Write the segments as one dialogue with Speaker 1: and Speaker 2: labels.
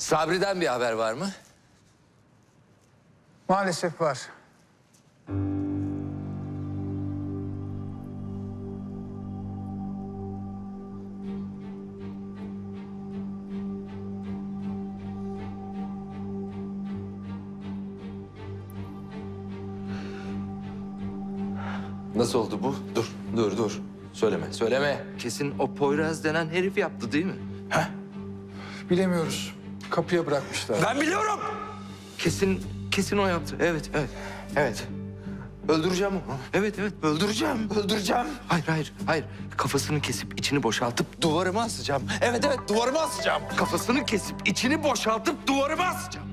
Speaker 1: Sabri'den bir haber var mı?
Speaker 2: Maalesef var.
Speaker 1: Nasıl oldu bu? Dur. Söyleme. Kesin o Poyraz denen herif yaptı değil mi?
Speaker 2: Bilemiyoruz. Kapıya bırakmışlar.
Speaker 1: Ben biliyorum. Kesin o yaptı. Evet. Öldüreceğim onu. Evet, öldüreceğim. Hayır. Kafasını kesip içini boşaltıp duvarıma asacağım. Evet, duvarıma asacağım. Kafasını kesip içini boşaltıp duvarıma asacağım.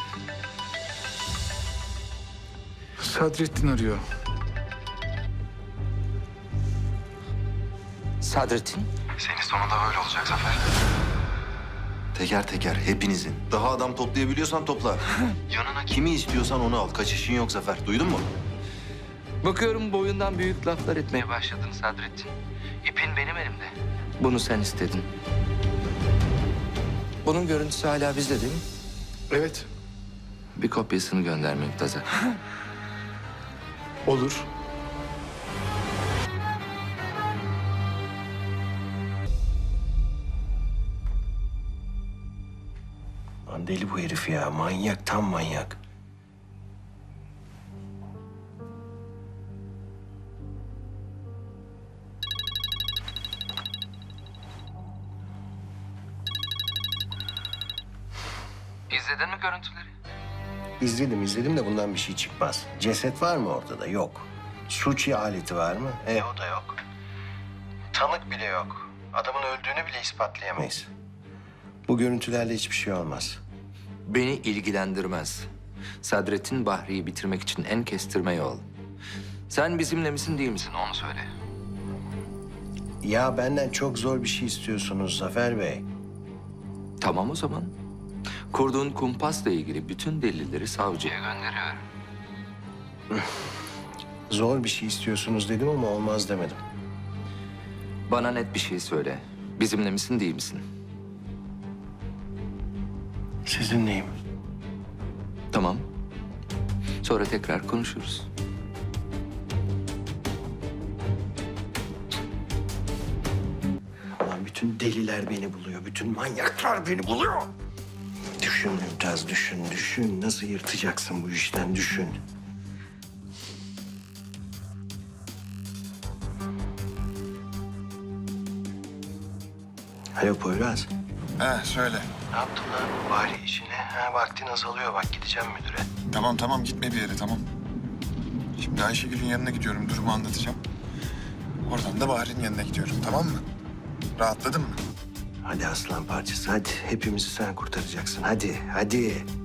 Speaker 2: Sadrettin arıyor.
Speaker 1: Sadrettin.
Speaker 3: Senin sonunda böyle olacak Zafer. Teker teker hepinizin. Daha adam toplayabiliyorsan topla. Yanına kimi istiyorsan onu al. Kaçışın yok Zafer. Duydun mu?
Speaker 1: Bakıyorum boyundan büyük laflar etmeye başladın Sadrettin. İpin benim elimde. Bunu sen istedin. Bunun görüntüsü hala bizde değil mi?
Speaker 2: Evet.
Speaker 1: Bir kopyasını gönder Mümtaz'a.
Speaker 2: Olur.
Speaker 3: Lan deli bu herif ya. Manyak, tam manyak.
Speaker 1: İzledin mi görüntüleri?
Speaker 4: İzledim de bundan bir şey çıkmaz. Ceset var mı ortada? Yok. Suç aleti var mı? O da yok. Tanık bile yok. Adamın öldüğünü bile ispatlayamayız. Bu görüntülerle hiçbir şey olmaz.
Speaker 1: Beni ilgilendirmez. Sadrettin Bahri'yi bitirmek için en kestirme yol. Sen bizimle misin değil misin onu söyle.
Speaker 4: Ya benden çok zor bir şey istiyorsunuz Zafer Bey.
Speaker 1: Tamam o zaman. Kurduğun kumpasla ilgili bütün delilleri savcıya gönderiyorum.
Speaker 4: Zor bir şey istiyorsunuz dedim ama olmaz demedim.
Speaker 1: Bana net bir şey söyle. Bizimle misin değil misin?
Speaker 4: Sizinleyim.
Speaker 1: Tamam. Sonra tekrar konuşuruz.
Speaker 4: Lan bütün deliler beni buluyor. Bütün manyaklar beni buluyor. Düşün Mümtaz, düşün. Nasıl yırtacaksın bu işten, düşün. Alo Poyraz.
Speaker 5: Söyle.
Speaker 4: Ne yaptın lan bari işine? Vaktin azalıyor bak, gideceğim müdüre.
Speaker 5: Tamam gitme bir yere tamam. Şimdi Ayşegül'ün yanına gidiyorum, durumu anlatacağım. Oradan da Bahar'ın yanına gidiyorum, tamam mı? Rahatladın mı?
Speaker 4: Hadi aslan parçası, hadi. Hepimizi sen kurtaracaksın, hadi.